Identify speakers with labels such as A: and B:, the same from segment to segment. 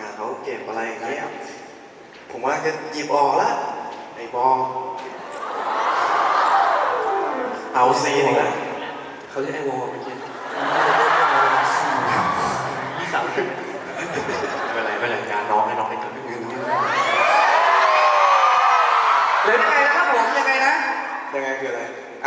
A: านเขาเก็บอะไรอย่างเงี้ยผมว่าจะหยิบออกละไอ้บอเอาซีหนึ่งละเขาเรียกไอ้วอเมื่อกี้ยี่สาวไม่เป็นไรการน้องให้น้องให้เกิดเงิน
B: เลยยังไงนะครับผมยังไงนะ
A: ยังไงคืออะไร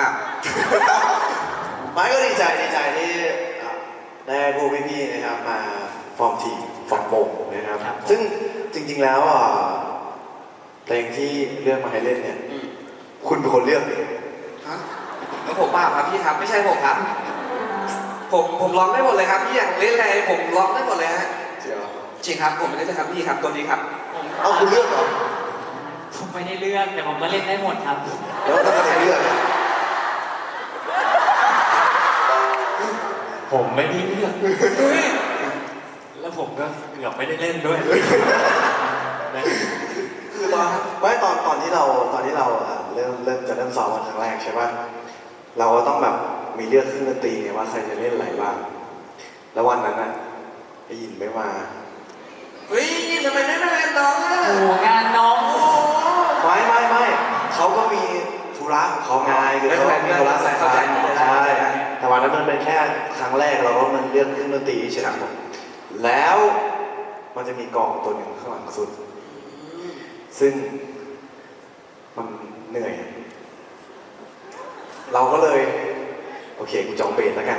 A: ไม่ก็ดีใจที่ได้พวกพี่ๆนะครับมาฟอร์มทีมฟอร์มวงนะครับซึ่งจริงๆแล้วเพลงที่เลือกมาให้เล่นเนี่ยคุณเป็นคนเลือกเอง
B: ฮะแล้วผมเปล่าครับพี่ครับไม่ใช่ผมครับผมร้องได้หมดเลยครับพี่อยากเล่นอะไรผมร้องได้หมดเลยฮะจริงครับผมไม่ได้จะทำพี่ครับตัวนี้ครับ
A: เอาคุณเลือกเหรอ
C: ผมไม่ได้เลือกแต่ผมก็เล่นได้หมดครับ
A: แล้วถ้าใครเลือก
C: ผมไม่ได้เลือกแล้วผมก็เกือบไม่ได้เล่นด้วย
A: คือตอนที่เราเริ่มซ้อมวันครั้งแรกใช่ป่ะเราก็ต้องแบบมีเลือกเครื่องดนตรีไงว่าใครจะเล่นอะไรบ้างแล้ววันนั้นน่ะไอ้ยินไม่มา
B: เฮ้ยทำไมไม่มาเล่นน้องอ่ะ
C: โอ้งานน้อง
A: ไม่เขาก็มีธุระของเขาไงคือเขามีธุระสำคัญใช่แต่วันนั้นมันเป็นแค่ครั้งแรกเราก็มันเลือกเครื่องดนตรีเฉยๆแล้วมันจะมีกองตัวหนึ่งข้างหลังสุดซึ่งมันเหนื่อยเราก็เลยโอเคกูจองเบสแล้วกัน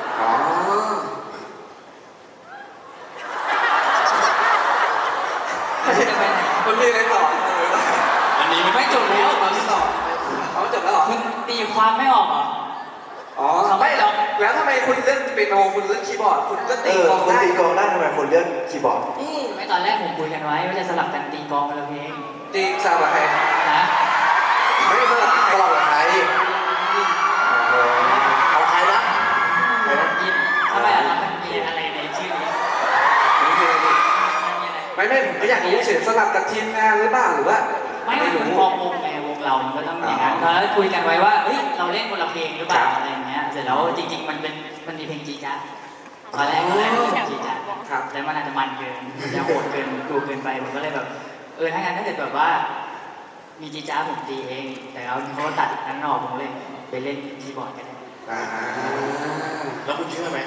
C: จะไปไหน
B: คุณมีอะไรต่อ
C: อันนี้ไม่จบแล้ว
B: ตอนที่ต่อจบแล้วเหรอ
C: คุณตีความไม่ออกเหรอ
B: ไม่แล้วทำไมคุณเล่นเปียโนคุณเล่นคีย์บอร์ดคุณก็ตีกลองได้
A: คุณตีกลองได้ทำไมคุณเลือกคีย์บอร์ด
C: ไม่ตอนแรกผมคุยกันไว้ว่าจะสลับกันตีกลองคนละเพลง
B: ตีสลับกับใคร
C: นะ
A: ไม่สลับกับใครเอาใครนะ
C: ทำไมล่ะมันมีอะไรในชื่อนี้
B: ไม่ผมก็อยากรู้เฉยสลับกับทีมงานหรือเปล่าหรือว่า
C: ไม่มันฟอร์มวงไงวงเรามันก็ต้องอย่างนั้นแล้วคุยกันไว้ว่าเฮ้ยเราเล่นคนละเพลงหรือเปล่าอะไรอย่างเงี้ยเสร็จแล้วจริงๆมันมีเพลงจีจ้าตอนแรกเพลงจีจ้าแต่มันอาจจะมันเกินจะโหดเกินกูเกินไปผมก็เลยแบบถ้างั้นถ้าเกิดแบบว่ามีจีจ้าผมตีเองแต่เขาตัดนั้นออกผมเลยไปเล่นคีย์บอร์ดกัน
D: แล้วคุณเชื่อไหม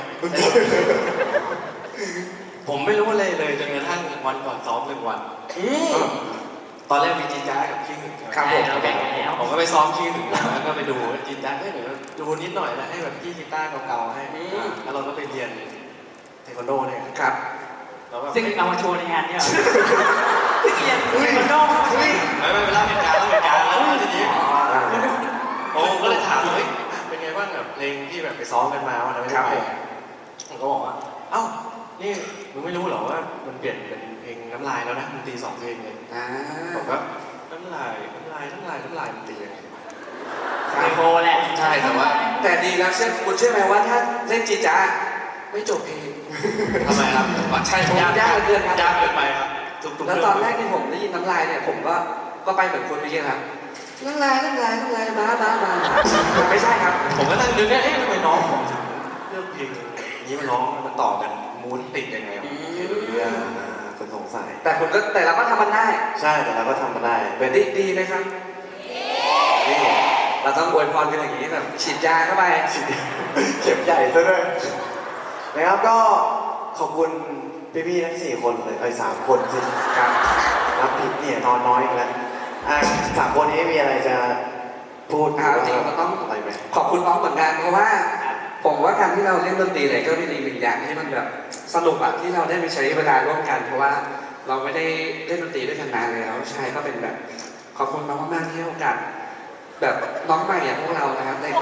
D: ผมไม่รู้อะไรเลยจนกระทั่งวันก่อนซ้อม1 วันตอนแรกมีจีจ้ากับขี้หึง
C: ครับ
D: ผมก็ไปซ้อมขี้หึงแล้วก็ไปดูจีจ้าให้หน่อยดูนิดหน่อยนะให้แบบพี่กีตาร์เก่าๆให้แล้วเราก็ไปเรียนเทควันโดเนี่ย
B: ครับ
C: ซึ่งเอามาโชว์ในงานเนี่ยเรียนเทควันโด
D: ไม่เวลาเป็นการแล้วทีนี้ผมก็เลยถามเฮ้ยเป็นไงบ้างแบบเพลงที่แบบไปซ้อมกันมาวันนั้นไม่ได้ไปผมก็บอกว่าเอ้านี่มึงไม่รู้เหรอว่ามันเปลี่ยนเป็นเพลงน้ำลายแล้วนะมันตี2 เพลงเลยผมก็น้ำลายมันตียังไง
C: ไอโฟแหละ
D: ใช่
B: แต่ดีนะคุณเชื่อไหมว่าถ้าเล่นจีจ้าไม่จบเพลง
D: ทำไมครับ
B: ใช่ผมยากเกินครับ
D: ยากเกินไปครับ
B: แล้วตอนแรกที่ผมได้ยินน้ำลายเนี่ยผมก็ไปเหมือนคนเมื่อกี้ครับน้ำลายบ้าไม่ใช่ครับ
D: ผมก็ตั้งนึกเนี่ยทำไมน้องผมถึงเลือกเพลงนี้มาร้องมันต่อกันมูนติดยังไง
A: คนสงสัย
B: แต่เราก็ทำมันได้
A: ใช่แต่เราก็ทำมันได้
B: เป็นดีไหมครับดีเราต้องอวยพรกันอย่างนี้แบบฉีดยาเข้าไป
A: เข็มใหญ่ซะด้วยนะครับก็ขอบคุณพี่ๆทั้ง4 คนเลย3 คนสิครับนับผิดเนี่ยนอนน้อยอีกแล้ว3 คนนี้มีอะไรจะพูด
B: จริงเราต้อง
A: อะไรไหม
B: ขอบคุณน้องเหมือนกันเพราะว่าผมว่าการที่เราเล่นดนตรีเนี่ยก็เป็นอีก1 อย่างที่มันแบบสนุกอะที่เราได้ไปใช้เวลาร่วมกันเพราะว่าเราไม่ได้เล่นดนตรีด้วยกันนานแล้วใช่ก็เป็นแบบขอบคุณน้องมากๆที่ให้โอกาสแบบน้องใหม่อย่างพวกเรานะครับได้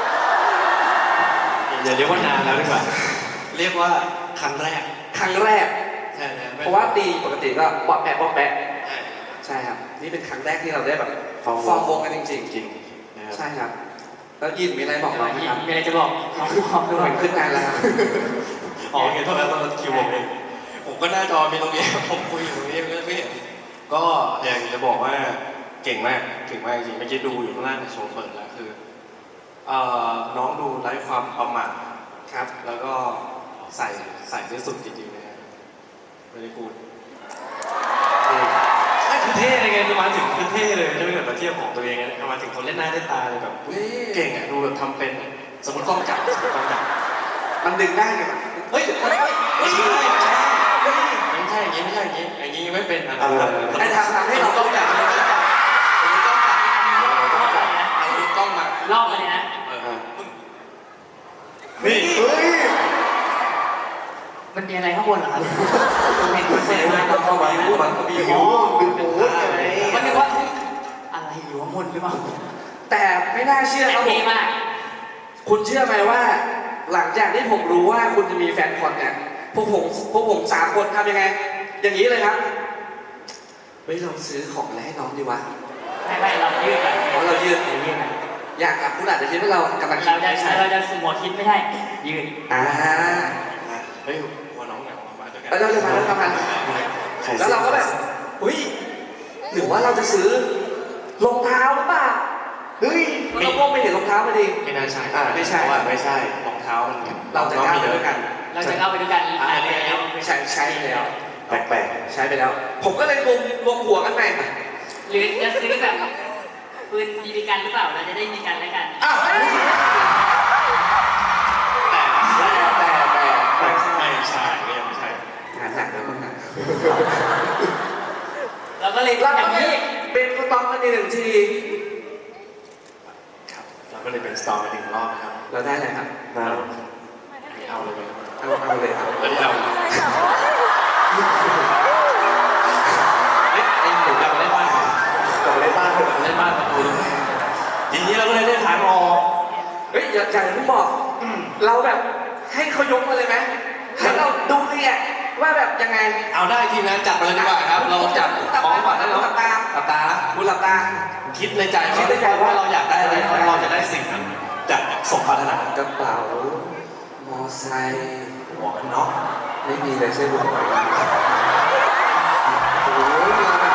D: อย่าเรียกว่านานแล้วดีกว่าเรียกว่าครั้งแรก
B: ใช่เพราะว่าตีปกติก็ป๊อปแปะใช่ครับนี่เป็นครั้งแรกที่เราได้แบบฟอร์มวงกันจริงๆใช่ครับแล้วยินมีอะไรบอกเราไหมครับ
C: มีอะไรจะบอกน้อง
B: ดูเหมือนขึ้นงานแล้วครับ
D: เห็นเท่านั้นตอนคิวผมก็หน้าจอมีตรงนี้ผมคุยอยู่ตรงนี้ไม่เห็นก็อยากจะบอกว่าเก่งมากจริงเมื่อกี้ดูอยู่ข้างล่างในโชว์เปิดแล้วคือน้องดูไร้ความประมาทครับแล้วก็ใส่ที่สุดจริงๆนะฮะไม่ได้พูดเทียบของตัวเองนะมาถึงคนเล่นหน้าเล่นตาเลยแบบ
B: เฮ้ย
D: เก่งอ่ะดูแบบทำเป็นสมมติกล้องจับสมมติกล้องจับ
B: มันดึงได้ไงวะ
D: เฮ้ยไม่ใช่ไม่ใช่อย่างนี้ไม่ใช่อย่างนี้อย่างนี้ไม่เป็นนะ
B: ไอ้ทำให้เรา
D: กล้องจับสมมติกล้องจับสมมติกล้องจับ
C: รอบเลยนะ
D: เอากล้องมาร
C: อบเลยนะ
D: นี่
A: เฮ้ย
C: มันมีอะไรข้างบนเหรอครับ
B: มันเป็นอะไรมันเข้ามาพูดมันมี
A: อ๋อเป็นหมูไง
C: มันนึกว่าเฮ้ยอะไรอยู่ข้างบนหรือเปล่า
B: แต่ไม่น่าเชื่อครับผ
C: เท่
B: ม
C: มาก
B: คุณเชื่อไหมว่า หลังจากที่ผมรู้ว่าคุณจะมีแฟนคอนเนี่ยพวกผมสามคนทำยังไง อย่างนี้เลยครับเฮ้ยเราซื้อของอะไรให้น้องดีวะ
C: ไม่เรายืดกัน
B: อ๋อเรายืด
C: ยืดกัน
B: อย่างอ่ะคุณอาจจะคิดว่าเรากำลังคิด
C: เราจะสมมติคิดไม่ใช่ยืด
B: อ่า
D: เฮ้ยหัวน้องเหงามาด้วยกัน
B: แล้วเราจะมาแล้วทำไมแล้วเราก็แบบเฮ้ยหรือว่าเราจะซื้อรองเท้าหรือเปล่า
A: เฮ้ย
B: เราก็ไม่เห็นรองเท้าพอดี
D: ไม่น่าใช่
A: ไม่ใช่ไม่ใช่
D: รองเท้ามัน
B: เราจะก้าวไปด้วยกัน
C: เราจะเข้าไปด้วยกัน
D: อันนี้
C: แล้ว
B: ใช้ไปแล้ว
A: แปลก
B: ใช้ไปแล้ว ผมก็เลยรวมหัวกันไป
C: หรือจะซื้อแบบปืนบีบีกันหรือเปล่าเราจะได้มีกันและกัน
B: อ้าว
D: แต่ ไม่ใช่ก็ยังไม่ใช่
B: งานหนักแล้วมึงอ่ะ
C: เราก็เลย
B: เรา
C: อย่า
B: ก็
C: ง
B: เลย
C: นี้
B: เป็นสต็อกกันอีกหนึ่งที
D: ครับเราก็เลยเป็นสตอร์หนึ่งรอบนะครับ
B: เราได้อะไรครับ
A: ๆนะ
D: เอาเลยไหม
B: เอาเลยครับ
D: แล้วที่เราไอ้หนูกลับมาเล่นบ้าน
A: กลับมาเล่นบ้านเถอะ
D: เล่นบ้านประตูทีนี้เราก็เลยได้ฐานออก
B: เฮ้ยอย่าเพิ่งบอกเราแบบให้เขายกมาเลยไหมแล้วเราดูเนี่ยว่าแบบยังไง
D: เอาได้ทีมงานจัดมาเลยดีกว่าครับ เราจัดของก่อนนะ
B: หลั
D: เนาะ
B: บตา
D: หลับตา
B: คุณหลับตา
D: คิดในใจว่าเราอยากได้อะไรเราจะได้สิ่งนั้นจากสมปรารถนาก
B: ระเป๋ามอไซค์
D: หมวกกันน็อก
B: ไม่มีเลยใช่ไหมโอ้โหเราแบบ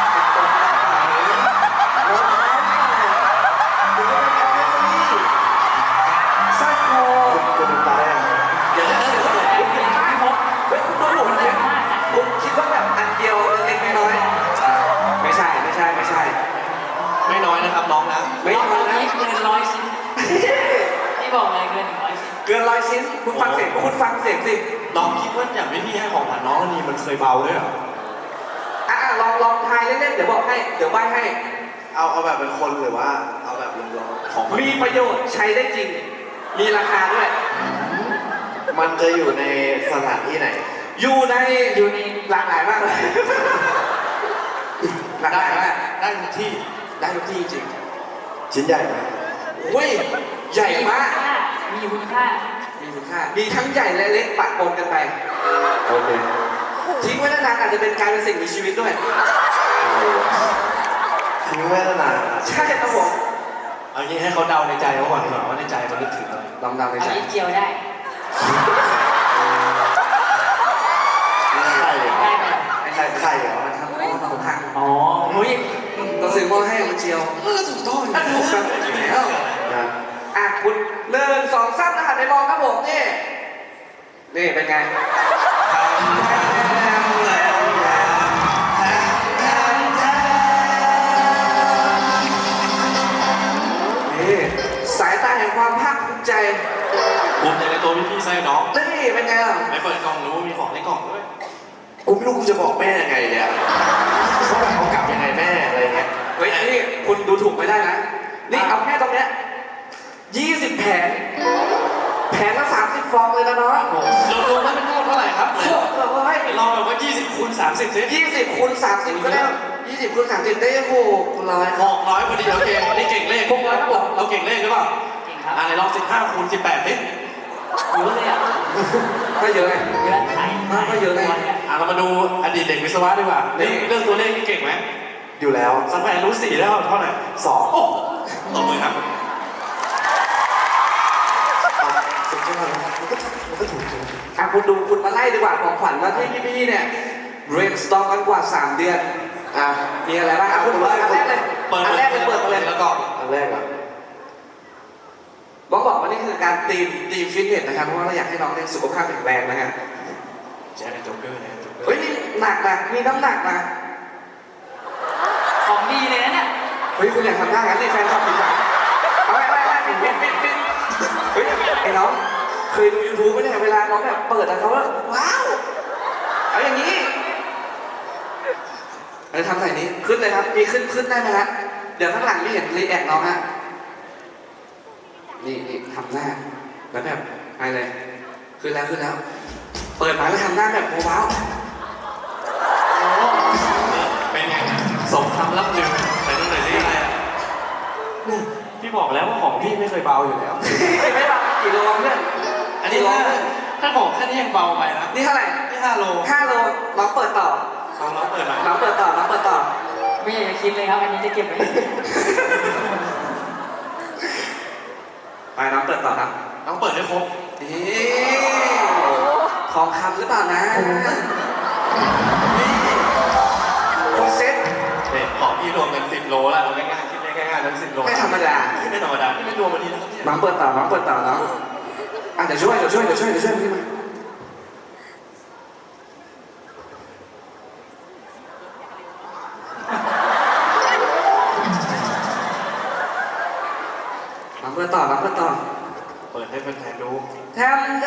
B: รองเท้าหรือว่าเป็นแอคเซสซอรี่สร้อยคอ
A: คุณตาแรก
B: เดี๋ยวเฮ้ยคุณดูผมเนี่ยคุณคิดว่าแบบอันเดียวเล็กๆน้อยๆไม่ใช่
D: ไม่น้อยนะครับน้องนะ
B: ไม่
C: เรา
B: น้อยนะ
C: เกิน100 ชิ้นที่บอกเลยเกิน100 ชิ้น
B: เกิน100 ชิ้นคุณฟังเสียงสิ
D: น้องคิดว่าอย่างพี่ให้ของขวัญน้องนี่มันเคยเบาด้วยเหรอ
B: ลองทายเล่นๆเดี๋ยวบอกให้เดี๋ยวใบให้
A: เอาแบบเป็นคนหรือว่าเอาแบบรวม
D: ของขวัญ
B: มีประโยชน์ใช้ได้จริง มีราคาด้วย
A: ๆมันจะอยู่ในสถานที่ไหน
B: อยู่ในหลากหลายมากเลยหลากห
D: ได้
B: ลายมาก
D: ได้ทุกที่
B: ได้ทุกที่จริง
A: ชิ้นใหญ่ไหม
B: เฮ้ยใหญ่มาก
C: มีคุณค่า
B: มีคุณค่ามีทั้งใหญ่และเล็กปะปนกันไป
A: โอเค
B: ทิ้งไว้นานๆอาจจะเป็นการเป็นสิ่งมีชีวิตด้วย
A: ทิ้งไว้นาน
B: ใช่ครับผม
D: เอางี้ให้เขาเดาในใจเขาก่อนดีกว่าว่าในใจเขานึกถึงอะไร
B: ลองเดาใน
C: เอา
B: ใจ
C: นิดเดียวได้
A: ๆไข่เหรอ
C: ได้ไหม
B: ไอ้ไข่
A: ไข่เหรอ
B: มันทำเอาเราพัง
C: อ๋ออุ้ย
B: เราซื้อหม้อให้มันเจียว
D: ถูกต้อง
B: ถูกครับแล้ว
A: นะ
B: อ่ะคุณ1 2 3หันไปมองครับผมนี่นี่เป็นไงนี่สายตาแห่งความภาคภูมิใจ
D: ภูมิใจในตัวพี่ไส้น้อง
B: นี่เป็นไงล่ะ
D: ไม่เปิดกล่องรู้ว่ามีของในกล่องด้วย
A: กูไม่รู้กูจะบอกแม่ยังไงเนี่ยเขาแบบเขากลับยังไงแม่อะไรเงี้ย
B: เฮ้ยนี่คุณดูถูกไม่ได้นะนี่เอาแค่ตรงเนี้ย20 แผงแผงละ30 ฟองเลยนะน้อง
D: เรารวมแล้วเป็นทั้งหมดเท่าไหร่ครับ
B: โคตรเลย
D: เราแบบว่า20คูณ30สิ
B: 20คูณ30ก็ได้20คูณ30ได้โอ้โหร้อยครับ
D: 600พอดีโอเคนี่เก่งเลข
B: 600ครับผม
D: เราเก่งเลขหรือเปล่า
C: เก่งครับ
D: ไหนลอง15คูณ18ดิ
C: เยอะเลยอ่ะ
B: ก็เยอะไง
C: เยอะไข่
B: ก็เยอะเลย
D: เรามาดูอดีตเด็กวิศวะดีกว่าเรื่องตัวเลขนี่เก่งไหม
A: อยู่แล้ว
D: สแควร์รูท4แล้วเท่าไหร่
A: 2
D: โอ้ตบมือครับ
A: สุดยอดมันก็ถูกจริง
B: อ่ะคุณมาไล่ดีกว่าของขวัญว่าที่พี่ๆเนี่ยเรียนสต็อกกันกว่า3 เดือน
A: อ่ะ
B: มีอะไรบ้างอ่ะคุณเปิดอันแรกเลย
D: เปิด
B: อันแรกเลยเปิดมาเลย
D: แล้วก็
A: อันแรกอ่ะ
B: บอกว่านี่คือการตีมฟิตเนสนะครับเพราะว่าเราอยากให้น้องเนี่ยสุขภาพแข็งแรงนะฮะ
D: แจ๊คเป็นโจ๊กเกอร์นะโจ๊กเกอร์
B: เฮ้ยนี่หนักนะมีน้ำหนักนะ
C: ของดีเลยนะเนี่ย
B: ขเฮ้ยคุณอยากทำท่างั้นนี่แฟนคลับปิดหลังเอาไปปิดเฮ้ยไอ้น้องเคยดูยูทูบไหมเนี่ยเวลาน้องแบบเปิดแล้วเขาว่าว้าวเอาอย่างนี้ทำใส่นี้ขึ้นเลยครับมีขึ้นได้ไหมฮะเดี๋ยวข้างหลังไม่เห็นรีแอคน้องฮะนี่ทำหน้าแล้วแบบไปเลยขึ้นแล้วเปิดมาแล้วทำหน้าแบบว้าว
D: เป็นไงสมคำล่ำลือไปนู่นไหนสิอะไรอ่ะพี่บอกแล้วว่าของพี่ไม่เคยเบาอยู่แล้ว
B: ไม่เบากี่โลเพื่อน
D: อันนี้ถ้าของแค่นี้ยังเบาไปนะ
B: นี่เท่าไหร่
D: นี่5 โล
B: 5 โลน้องเปิดต่อ
D: ลองเปิดหน่อย
B: น้องเปิดต่อ
C: ไม่อยากจะคิดเลยครับอันนี้จะเก็บไว้
B: ไปน้องเปิดต่อครับ
D: ต้องเปิดให้ครบ
B: ทองคำหรือเปล่านะคอนเซ็ต
D: เนี่ยของพี่รวมกัน10 โลแล้วเอาง่ายๆคิดได้ง่ายๆทั้ง10 โล
B: ไม่ธรรมดา
D: ไม่ธรรมดานี่ไม่รวมวันนี้นะครับเนี่ย
B: น้องเปิดต่อน้องเดี๋ยวช่วยพี่มาน้องเปิดต่อ
D: เปิดให้แฟนๆดู
B: ทำ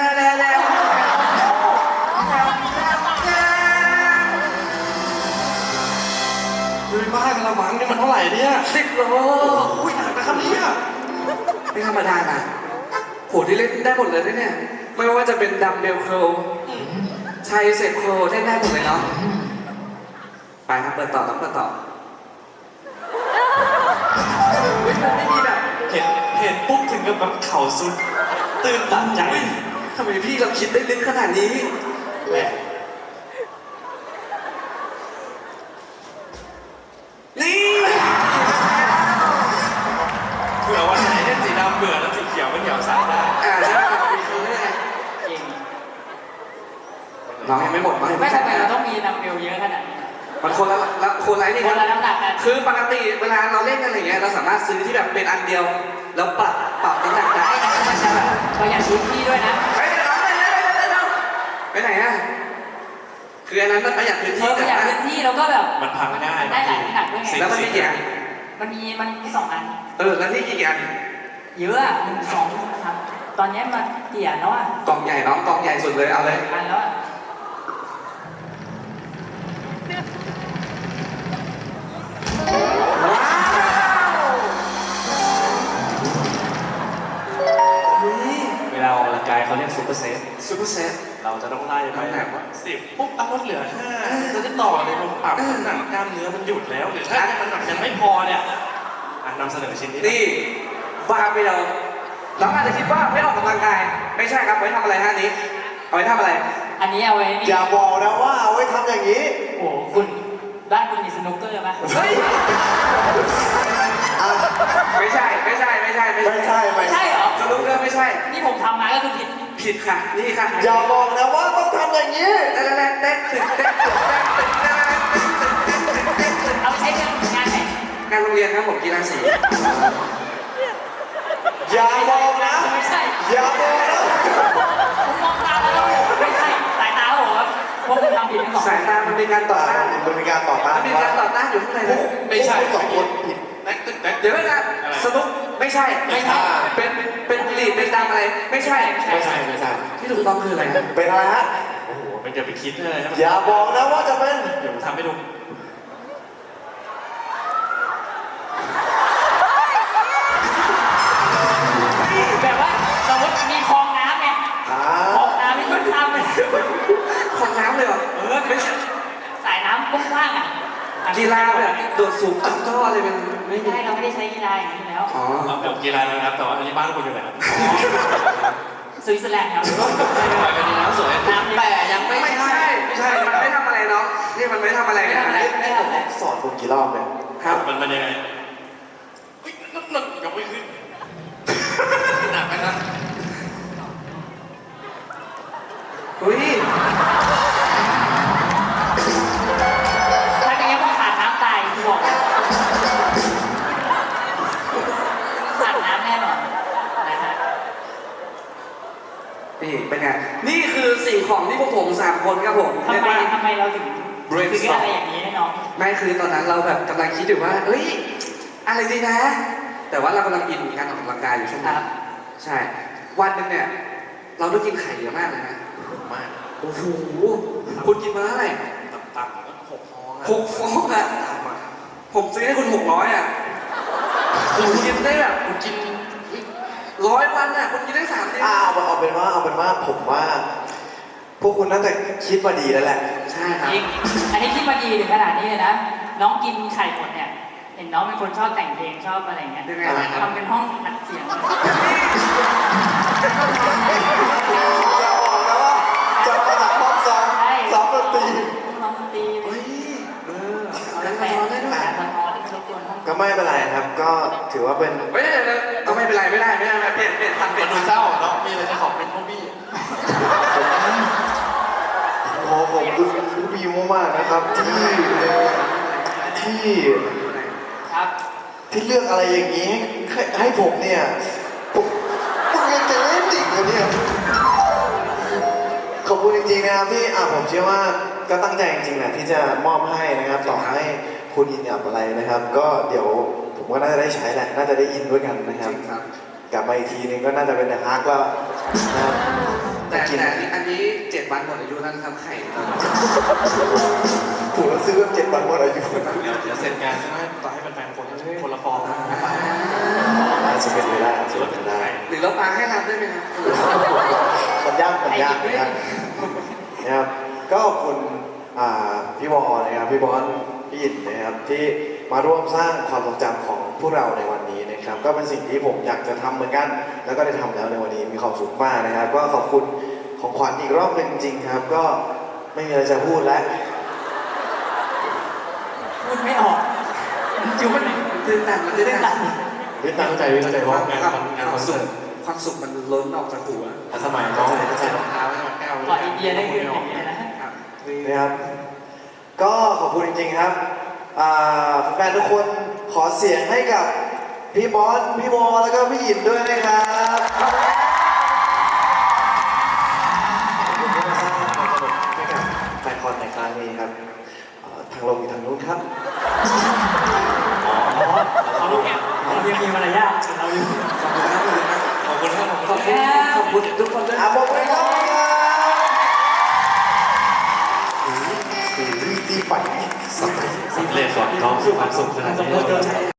D: ดูบ้ากระมังนี่มันเท่าไหร่เนี่ย
B: 10 โล
D: อุ้ยหนักนะครับเนี่ย
B: ไม่ธรรมดานะโหที่เล่นได้หมดเลยนะเนี่ยไม่ว่าจะเป็นดัมเบลโครชัยเซฟโครเล่นได้หมดเลยเนาะไปครับเปิดต่อมันไม่มีแบบ
D: เห็นปุ๊บถึงกับแบบเข่าสุดตื่นตันใจ
B: ทำไมพี่เราคิดได้ลึกขนาดนี้
D: แหม
B: นี่
D: เผื่อวันไหนเล่นสีดำเบื่อแล้วสีเขียวมันเหนียวใส่ได้
B: ใช่มีคือไง
C: จริง
B: น้องยังไม่หมดมั้ง
C: ไม่ทำไมเราต้องมีนัมเบลเยอะขนาดนี้
B: มันคนละนี่
C: ค
B: คน
C: ละน้ำหนักกัน
B: คือปกติเวลาเราเล่นกันอะไรเงี้ยเราสามารถซื้อที่แบบเป็นอันเดียวแล้วปรับน้ำหนักได้
C: ไอ้นั่นก็จะแบบประหยัดพื้นที่ด้วยนะ
B: ไปไหนอะคืออันนั้นมันประหยัดพื้นที่
C: ประหยัดพื้นที่แล้วก็แบบ
D: มันพังง่าย
C: ได้หลายน้ำหนักด้วยไง
B: แล้วมันมีกี่อัน
C: มันมี2 อัน
B: แล้วนี่กี่อัน
C: เยอะอะ1 2ครับตอนนี้มันเตี่ยแล้วอ่ะ
B: กล่องใหญ่น้องกล่องใหญ่สุดเลยเอาเลย
C: อันแล้วอะ
B: ว้าวนี่
D: เวลาออกกำลังกายเขาเรียกซูเปอร์เซต
B: ซูเปอร์เซต
D: เราจะต้องไล่ไปแบบว่า10ปุ๊บเอาลดเหลือ5จะได้ต่อเลยลงปรับน้ำหนักกล้ามเนื้อมันหยุดแล้วหรือถ้ามันหนักยังไม่พอเนี่ยนำเสนอชิ้นนี้
B: นี่บ้าไปเราอาจจะคิดว่าไม่ออกกำลังกายไม่ใช่ครับไว้ทำอะไรฮะนี้เอาไว้ทำอะไร
C: อันนี้เอาไว้นี่
A: อย่าบอกนะว่าเอาไว้ทำอย่างนี้
C: โอ้โหคุณบ้านคุณมีสนุกเกอร์ปะ
B: เฮ้ย
A: อ่ะ
B: ไม่ใช่
A: ไม่ใช่
C: ไม่ใช่เหรอ
B: สนุกเกอร์ไม่ใช่
C: นี่ผมทำมาก็คือผิด
B: ผิดค่ะ นี่ค่ะ
A: อย่าบอกนะว่าต้องทำอย่างนี้
B: เต้น
C: เอาไปใช้เงินงานไหน
B: งานโรงเรียนครับผมกีฬาสี
A: อย่าบอกนะ
C: ไม่ใช่
A: อย่าบอกนะ
C: ผมมองตาแล้วไม่ใช่สายตาผมว่าพวกคุณทำผิดทั้งสอง
B: สายตามันเป็นการต่อต้าน
A: มันเป็นการต่อต้าน
B: มันมีการต่อต้านอยู่ข้างในเลย
D: ไม่ใช่
A: พวกคุณสองคนผิด
D: แน็กตึ๊กแน็ก
B: เดี๋ยวนะสนุกไม่ใช่ เป็นลีดเป็นดำอะไร ไม่ใช่
A: ไม่ใช่
B: ที่ถูกต้องคืออะไรนะ
A: เป็นอะไรฮะ
D: โอ้โหมันจะไปคิดเลยนะ
A: อย่าบอกนะว่าจะเป็น
D: เดี๋ยวผมทำให้ดู
C: แบบว่าสมมติมีคลองน้ำไง
A: อ่า
C: คลองน้ำที่มันข้ามไป
B: ของน้ำเลยเหรอ
C: ไม่ใช่สายน้ำกว้างๆอ่ะ
B: กีฬาแบบโดดสูงตั้งท่ออะไรเป็นไม่
C: ไม่
B: มี
C: ใช่เราไม่ได้ใช้กีฬาอย่างนี้อยู่แล้ว
B: อ๋อ
D: เราแบบกีฬานะครับแต่ว่าอันนี้บ้านคุณอยู่ไหนครับ
C: สวิตเซอร์แลนด์ครับ
D: ไปกันดีน้ำสวย
C: น้ำแต่ยังไม่
B: ไม่ใช่มันไม่ทำอะไรเนาะนี่มันไม่ทำอะไร
C: ไม่
B: นะ
C: ทำอะไรไม่ทำอะไร
A: สอนคุณกี่รอบเนี่ย
B: ครับ
D: มันยังไงเฮ้ยนั่นยกไม่ขึ้นหนักนะครับ
B: อุ้ย
C: ถ้าอย่างนี้ต้องขาดน้ำตายที่บอกขาดน้ำแน่นอนนะฮะ
B: นี่เป็นไงนี่คือสิ่งของที่พวกผม3 คนครับผม
C: ทำ
B: เรียก
C: ไม
B: ว่า
C: เราถึงซื้ออะไรอย่างนี้ให้น้อง
B: ไม่คือตอนนั้นเราแบบกำลังคิดอยู่ว่าเอ้ยอะไรดีนะ แต่ว่าเรากำลังอินกับการออกกำลังกายอยู่ช่วง
C: ค
B: นั้
C: รั
B: น
C: บ
B: ใช่ วันหนึงเนี่ย เราต้องกินไข่เยอะมากเลยนะ
D: มาก
B: โอ้โห คุณกินมาเท่าไหร่
D: ต่ำๆก็6 ฟองอะ
B: 6 ฟองอะ
D: ต่ำอะ
B: ผมซื้อให้คุณ600อะคุณกินได้แบบ
D: คุณกิน
B: 100 วันอะคุณกินได้3 เดือน
A: เอาเป็นว่าผมว่า พวกคุณน่าจะคิดมาดีแล้วแหละ
B: ใช่ครับ
C: จริงอันนี้คิดมาดีถึงขนาดนี้เลยนะ น้องกินไข่หมดเนี่ย เห็นน้องเป็นคนชอบแต่งเพลงชอบอะไรอย่างเงี้ย
B: ยังไงครับ
C: ทำเป็นห้องอัดเสียง
A: อย่าบอกนะว่าจะมาจากห้องซ้อมดนตรี
C: น้องดนตรี
B: เฮ้ยเอา
C: แล้
B: แล้ว ว
C: แต่
B: มาได้ด้วย
C: สะท้อนรบกวนห้อง
A: ก็ไม่เป็นไรครับ ก็ถือว่าเป็น
B: ไม่ได้เลยก็ไม่เป็นไรไม่ได้เปลี่ยนทันเปลี่
D: เป็
B: ย
D: น
B: น
D: ดู
B: ทัน
D: เศร้าเนาะมีอะไรจะขอบเป็นพวกพี่
A: ขอขอบคุณผู้บีมากๆนะครับที่
C: ครับ
A: ที่เลือกอะไรอย่างนี้ให้ผมเนี่ยผมยังจะเล่นอีกเลยเนี่ยขอบคุณจริงๆนะครับที่ผมเชื่อว่าก็ตั้งใจจริงๆแหละที่จะมอบให้นะครับต่อให้คุณอินกับอะไรนะครับ ก็เดี๋ยวผมก็น่าจะได้ใช้แหละน่าจะได้อินด้วยกันนะครับ
B: ครับ
A: กลับมาอีกทีนึงก็น่าจะเป็นเดอะฮาร์กแล้วนะครับ
B: แต่
A: กิน
B: อันนี้7 วันหมดอายุแล้วนะครับไข่
A: ผมก็ซื้อแบบ7 วันหมดอายุ
D: เดี๋ยวเสร็จงานใช่ไหมต่อให้แฟนๆคนละฟองนะ
A: อาจจะเป็นไปได้อาจจะเป็นไปได้
B: หรือเราปาให้รับได้ไหมครับ
A: มันยากนะครับก็ขอบคุณพี่วอนะครับพี่บอลพี่อินนะครับที่มาร่วมสร้างความทรงจำของพวกเราในวันนี้นะครับ ก็เป็นสิ่งที่ผมอยากจะทำเหมือนกัน แล้วก็ได้ทำแล้วในวันนี้มีความสุขมากนะครับ ก็ขอบคุณของขวัญอีกรอบหนึ่งจริงๆครับ ก็ไม่มีอะไรจะพูดแล้ว
C: พูดไม่ออกจุ๊บมัน
B: ตื่นตันมันตื่นตัน
A: พี่ตั้งใจ
D: เข้าใจเพราะงานคอนเสิร์ต
B: ความสุขมันล้นออกจากหัว
D: สมัยน้องใส่รองเท้าใช่ไหมแก้ว
C: ก่อนอินเดียได้คืออย่างนี้นะ
B: ครับ
A: นะครับ ก็ขอบคุณจริงๆครับแฟนๆทุกคนขอเสียงให้กับพี่บอลพี่วอแล้วก็พี่อินด้วยนะครับขอบคุณที่มาสร้างความสนุกให้กับแฟนคอนในครั้งนี้ครับทางลงอยู่ทางนู้นครับ
C: เขาลูกแก้วเรายังมีมารยาทเราอยู่
D: ขอบคุณครับ
B: ขอบคุณทุกคนด้วย
A: บอกเลยครับตีไป
D: สำเร็จก่อนน้องคือความสุขขนาดนี้